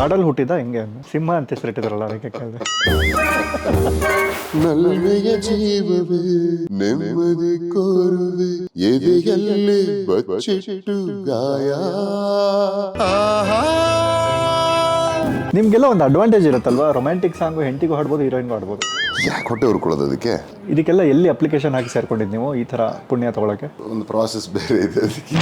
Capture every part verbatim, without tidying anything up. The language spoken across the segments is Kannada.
ಕಾಡಲ್ಲಿ ಹುಟ್ಟಿದ ಹೆಂಗೆ ಸಿಂಹ ಅಂತ ಹೆಸರಿಟ್ಟಿದ್ರಲ್ಲ ಅದಕ್ಕೆ ಕೇಳಿದೆ. ನಲ್ಮೆಯ ಜೀವವೇ ನೆಮ್ಮದಿ ಕೋರುವೆ ಎದೆಯಲ್ಲಿ ಬಚ್ಚಿಟ್ಟು ಗಾಯ. ನಿಮ್ಗೆಲ್ಲ ಒಂದು ಅಡ್ವಾಂಟೇಜ್ ಇರುತ್ತಲ್ವಾ, ರೊಮ್ಯಾಂಟಿಕ್ ಸಾಂಗು ಹೆಂಡತಿಗೂ ಹಾಡ್ಬೋದು, ಹೀರೋಯಿನ್ಗೂ ಹಾಡ್ಬೋದು. ಯಾಕೆ ಹೊಟ್ಟೆ ಹುರ್ಕೊಳ್ಳೋದು ಅದಕ್ಕೆ? ಇದಕ್ಕೆಲ್ಲ ಎಲ್ಲಿ ಅಪ್ಲಿಕೇಶನ್ ಹಾಕಿ ಸೇರ್ಕೊಂಡಿದ್ದು ನೀವು ಈ ಥರ ಪುಣ್ಯ ತೊಗೊಳಕ್ಕೆ? ಒಂದು ಪ್ರಾಸೆಸ್ ಬೇರೆ ಇದೆ ಅದಕ್ಕೆ.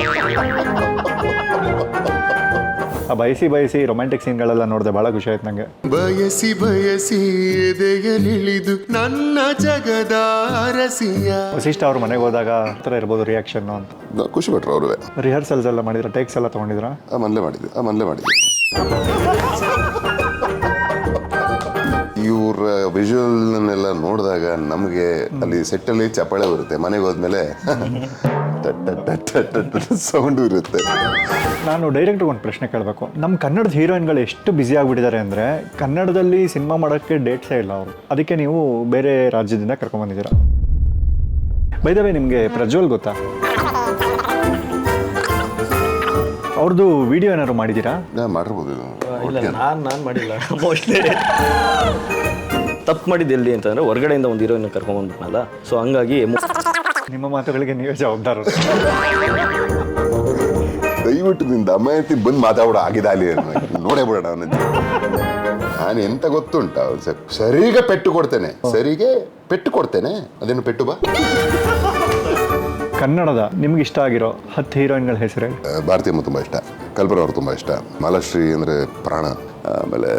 ಆ ಬಯಸಿ ಬಯಸಿ ರೊಮ್ಯಾಂಟಿಕ್ ಸೀನ್ಗಳೆಲ್ಲ ನೋಡಿದೆ, ಭಾಳ ಖುಷಿ ಆಯ್ತು ನನಗೆ. ಬಯಸಿ ಬಯಸಿ ಎದೆಯಲಿಳಿದು ನನ್ನ ಜಗದ ಅರಸಿಯ. ವಸಿಷ್ಠ ಅವ್ರ ಮನೆಗೆ ಹೋದಾಗ ಆ ಥರ ಇರ್ಬೋದು ರಿಯಾಕ್ಷನ್ ಅಂತ. ಖುಷಿ ಪಟ್ರು ಅವ್ರವೇ. ರಿಹರ್ಸಲ್ಸ್ ಎಲ್ಲ ಮಾಡಿದ್ರ, ಟೇಕ್ಸ್ ಎಲ್ಲ ತೊಗೊಂಡಿದ್ರ? ಆ ಮನೇಲೆ ಮಾಡಿದ್ವಿ ಆ ಮನೇಲೆ ಮಾಡಿದ್ವಿ ಇವ್ರ ವಿಜುವಲ್ನೆಲ್ಲ ನೋಡಿದಾಗ ನಮಗೆ ಅಲ್ಲಿ ಸೆಟ್ಟಲ್ಲಿ ಚಪ್ಪಾಳೆ ಬರುತ್ತೆ, ಮನೆಗೆ ಹೋದ್ಮೇಲೆ ಸೌಂಡು ಇರುತ್ತೆ. ನಾನು ಡೈರೆಕ್ಟ್ರಿಗೆ ಒಂದು ಪ್ರಶ್ನೆ ಕೇಳಬೇಕು. ನಮ್ಮ ಕನ್ನಡದ ಹೀರೋಯಿನ್ಗಳು ಎಷ್ಟು ಬ್ಯುಸಿ ಆಗಿಬಿಟ್ಟಿದ್ದಾರೆ ಅಂದರೆ, ಕನ್ನಡದಲ್ಲಿ ಸಿನಿಮಾ ಮಾಡೋಕ್ಕೆ ಡೇಟ್ಸೇ ಇಲ್ಲ ಅವರು, ಅದಕ್ಕೆ ನೀವು ಬೇರೆ ರಾಜ್ಯದಿಂದ ಕರ್ಕೊಂಡ್ಬಂದಿದ್ದೀರಾ. ಬೈ ದ ವೇ, ನಿಮಗೆ ಪ್ರಜ್ವಲ್ ಗೊತ್ತಾ? ಅವ್ರದ್ದು ವಿಡಿಯೋ ಏನಾದ್ರು ಮಾಡಿದ್ದೀರಾ? ಮಾಡಿರ್ಬೋದು. ಇಲ್ಲ, ನಾನು ನಾನು ಮಾಡಿಲ್ಲ. ಮೋಸ್ಟ್ಲಿ ತಪ್ಪು ಮಾಡಿದ್ದು ಎಲ್ಲಿ ಅಂತಂದರೆ ಹೊರಗಡೆಯಿಂದ ಒಂದು ಹೀರೋಯಿನ್ ಕರ್ಕೊಂಡ್ಬಂದ್ಬಿಟ್ನಲ್ಲ, ಸೊ ಹಂಗಾಗಿ ನಿಮ್ಮ ಮಾತುಗಳಿಗೆ ನೀವೇ ಜವಾಬ್ದಾರರು. ದಯವಿಟ್ಟು ನಿಂದ ಅಮಾಯತಿ ಬಂದು ಮಾತಾಡೋ ಆಗಿದೆ ಅಲ್ಲಿ ನೋಡೇ ಬಿಡೋಣ. ನಾನು ಎಂತ ಗೊತ್ತುಂಟ, ಸರಿಗೆ ಪೆಟ್ಟು ಕೊಡ್ತೇನೆ, ಸರಿಗೆ ಪೆಟ್ಟು ಕೊಡ್ತೇನೆ. ಅದೇನು ಪೆಟ್ಟು ಬಾ. ಕನ್ನಡದ ನಿಮ್ಗೆ ಇಷ್ಟ ಆಗಿರೋ ಹತ್ತು ಹೀರೋಯಿನ್ಗಳ ಹೆಸರು? ಭಾರತೀಯಮ್ಮ ತುಂಬ ಇಷ್ಟ, ಕಲ್ಪನಾ ಅವ್ರು ತುಂಬ ಇಷ್ಟ, ಮಾಲಾಶ್ರೀ ಅಂದರೆ ಪ್ರಾಣ. ಆಮೇಲೆ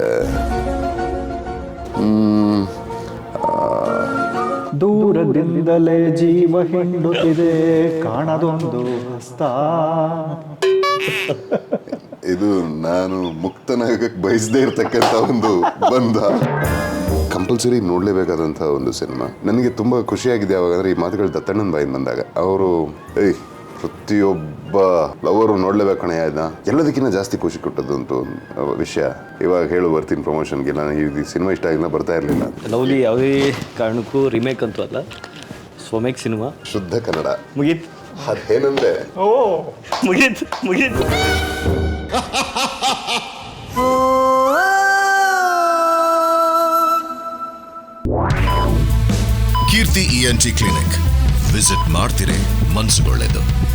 ದೂರದಿಂದಲೇ ಜೀವ ಹಿಂಡುತ್ತಿದೆ ಕಾಣದೊಂದು ಹಸ್ತ. ಇದು ನಾನು ಮುಕ್ತನಾಗಕ್ಕೆ ಬಯಸದೇ ಇರ್ತಕ್ಕಂಥ ಒಂದು ಬಂಧ. ಕಂಪಲ್ಸರಿ ನೋಡಲೇಬೇಕಾದಂಥ ಒಂದು ಸಿನಿಮಾ. ನನಗೆ ತುಂಬ ಖುಷಿಯಾಗಿದೆ ಯಾವಾಗಂದ್ರೆ ಈ ಮಾತುಗಳು ದತ್ತಣ್ಣನ ಬಾಯಿಂದ ಬಂದಾಗ. ಅವರು ಏಯ್ ಪ್ರತಿಯೊಬ್ಬ ಲವರು ನೋಡಲೇಬೇಕು ಕಣೆ ಆಯ್ತಾ, ಎಲ್ಲದಕ್ಕಿಂತ ಜಾಸ್ತಿ ಖುಷಿ ಕೊಟ್ಟದ್ದು ಅಂತ ಒಂದು ವಿಷಯ. ಇವಾಗ ಹೇಳು ಬರ್ತೀನಿ ಪ್ರಮೋಷನ್ಗೆ. ನಾನು ಈ ಸಿನಿಮಾ ಇಷ್ಟ ಆಗಿಲ್ಲ, ಬರ್ತಾ ಇರಲಿಲ್ಲ. ಲವ್ಲಿ ಯಾವುದೇ ಕಾರಣಕ್ಕೂ ರಿಮೇಕ್ ಅಂತೂ ಅಲ್ಲ, ಸ್ವಮೇಕ್ ಸಿನಿಮಾ, ಶುದ್ಧ ಕನ್ನಡ. ಮುಗೀತ್. ಅದೇನಂದ್ರೆ ಓ ಮುಗೀತ್ ಮುಗೀತ್ Keerthi E N T clinic visit ಮಾಡ್ತಿರೇ ಮನಸ್ಸುಗೊಳ್ಳೆದು.